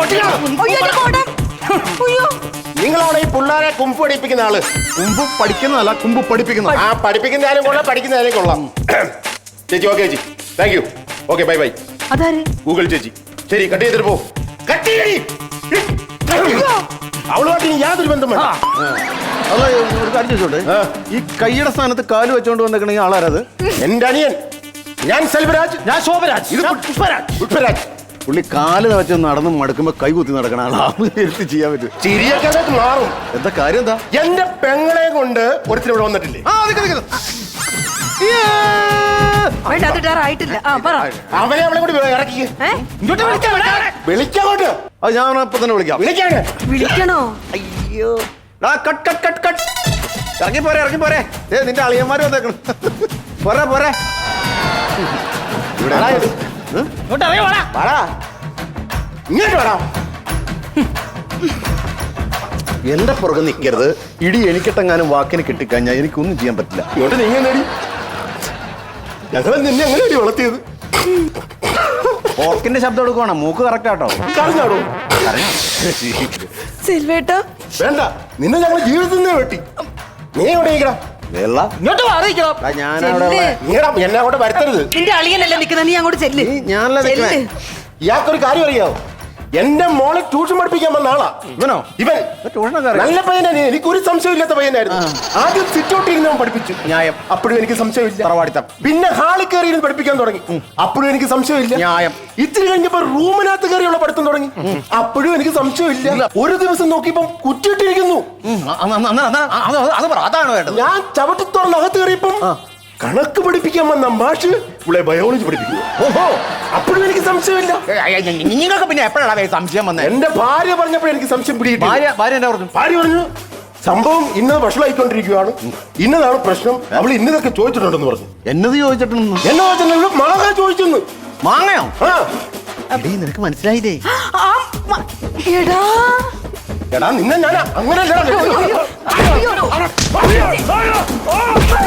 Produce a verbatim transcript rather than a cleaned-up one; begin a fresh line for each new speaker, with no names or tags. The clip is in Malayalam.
നിങ്ങളാണ് ഈ പിള്ളേരെ കുമ്പ് പഠിപ്പിക്കുന്ന ആള്.
കുമ്പ് പഠിക്കുന്നതല്ല, കുമ്പ് പഠിപ്പിക്കുന്ന.
ആ പഠിപ്പിക്കുന്നതായാലും കൊള്ളാം, പഠിക്കുന്നതായാലും കൊള്ളാം. ചേച്ചി ഓക്കെ ചേച്ചി, thank you. Okay bye bye. Google ചേച്ചി. ശരി, കട്ട് ചെയ്തിട്ട് പോ. കട്ട് ചെയ്യടി. അവളുമായിട്ട് യാതൊരു ബന്ധം വേണ്ട.
അല്ല, ഒരു കാര്യം ചോദിച്ചോട്ടെ, ഈ കൈയുടെ സ്ഥാനത്ത് കാല് വെച്ചോണ്ട് വന്നേക്കണെങ്കിൽ ആളാരത്?
എന്റെ അനിയൻ. ഞാൻ സെൽവരാജ്.
ഞാൻ ശോഭരാജ്.
ഇത് പുഷ്പരാജ്. പുഷ്പരാജ്.
പുള്ളി കാല് വെച്ച് നടന്ന് മടുക്കുമ്പോ കൈ കുത്തി നടക്കണ ആളാണ്. എടുത്ത് ചെയ്യാൻ പറ്റും.
ചിരിയൊക്കെ മാറും.
എന്താ കാര്യം? എന്താ?
എന്റെ പെങ്ങളെ കൊണ്ട് ഒരുത്തിന് ഇവിടെ വന്നിട്ടില്ലേ? അവനെ അവളെ കൂടി ഇറക്കി വിളിക്കോട്ട്.
അത് ഞാൻ ഇപ്പൊ തന്നെ വിളിക്കാം.
വിളിക്കാണ്.
വിളിക്കണോ?
അയ്യോ, കട്ട് കട്ട് കട്ട് കട്ട്. ഇറങ്ങി പോരെ, ഇറങ്ങി പോരെ. ഏ, നിന്റെ അളിയന്മാര് വന്നേക്കണം. പോരെ പോരെ.
ഇങ്ങോട്ട് വേടാ.
എന്റെ പുറകെ നിൽക്കരുത്. ഇടി എനിക്കിട്ടെങ്ങാനും വാക്കിന് കിട്ടിക്കഴിഞ്ഞാൽ എനിക്കൊന്നും ചെയ്യാൻ പറ്റില്ല.
ഇങ്ങോട്ട് നീങ്ങ നേടി. ഞങ്ങൾ നിന്നെ എങ്ങനെയാണ് വളർത്തിയത്?
ഓർക്കിന്റെ ശബ്ദം എടുക്കുവാണോ? മൂക്ക് കറക്റ്റ് ആട്ടോ.
പറഞ്ഞാടോ.
സെൽവേട്ടാ
വേണ്ട, നിന്നെ ഞങ്ങൾ ജീവിതത്തിൽ നിന്ന് വെട്ടി. നീ എവിടെ ഇരിക്കണം? എന്നെ അങ്ങോട്ട് വരുത്തരുത്.
നിന്റെ അളിയനല്ലേ നിൽക്കുന്നത്, നീ അങ്ങോട്ട് ചെല്ല്.
ഞാനല്ല.
ഇയാൾക്കൊരു കാര്യം അറിയാവോ? എന്റെ മോളെ ട്യൂഷൻ പഠിപ്പിക്കാൻ വന്ന ആളാ
ഇവനോ.
ഇവൻ
ട്യൂഷനൊക്കെ
നല്ല പയ്യനാണ്. എനിക്കൊരു സംശയമില്ലാത്ത പയ്യനായിരുന്നു. ആദ്യം സിറ്റ് ഔട്ട് ഇരുന്ന് പഠിപ്പിച്ചു.
ന്യായം.
അപ്പോഴും എനിക്ക് സംശയമില്ല.
തറവാടിത്തം.
പിന്നെ ഹാളിൽ കയറി ഇരുന്ന് പഠിപ്പിക്കാൻ തുടങ്ങി. അപ്പോഴും എനിക്ക് സംശയമില്ല.
ന്യായം.
ഇത്തിരി കഴിഞ്ഞപ്പോ റൂമിനകത്ത് കയറിയുള്ള പഠിത്തം തുടങ്ങി. അപ്പോഴും എനിക്ക് സംശയമില്ല. ഒരു ദിവസം നോക്കിയപ്പോ കുറ്റിയിട്ടിരിക്കുന്നു.
അതാണ് വേണ്ടത്.
ഞാൻ ചവിട്ടി തുറന്ന് അകത്ത് കയറിയപ്പം കണക്ക് പഠിപ്പിക്കാൻ വന്ന മാഷ് ഇവിടെ ബയോളജി പഠിപ്പിക്കുന്നു. ഓഹോ, അപ്പോഴും എനിക്ക് സംശയമില്ല.
നിങ്ങൾക്ക് പിന്നെ എപ്പോഴാണ് സംശയം വന്നത്?
എന്റെ ഭാര്യ പറഞ്ഞപ്പോൾ എനിക്ക് സംശയം പിടികിട്ടി.
ഭാര്യ ഭാര്യ എന്താ പറഞ്ഞു?
ഭാര്യ പറഞ്ഞു, സംഭവം ഇന്നത് ഭക്ഷണമായിക്കൊണ്ടിരിക്കുകയാണ്, ഇന്നതാണ് പ്രശ്നം, അവൾ ഇന്നതൊക്കെ ചോദിച്ചിട്ടുണ്ടെന്ന് പറഞ്ഞു.
എന്നത് ചോദിച്ചിട്ടുണ്ടെന്ന്?
എന്നെ ചോദിച്ചിട്ടുണ്ടെങ്കിൽ മാങ്ങ ചോദിച്ചെന്ന്.
മാങ്ങയോ?
ആ,
നിനക്ക് മനസ്സിലായില്ലേ?
എടാ നിന്നെ ഞാൻ അങ്ങനെ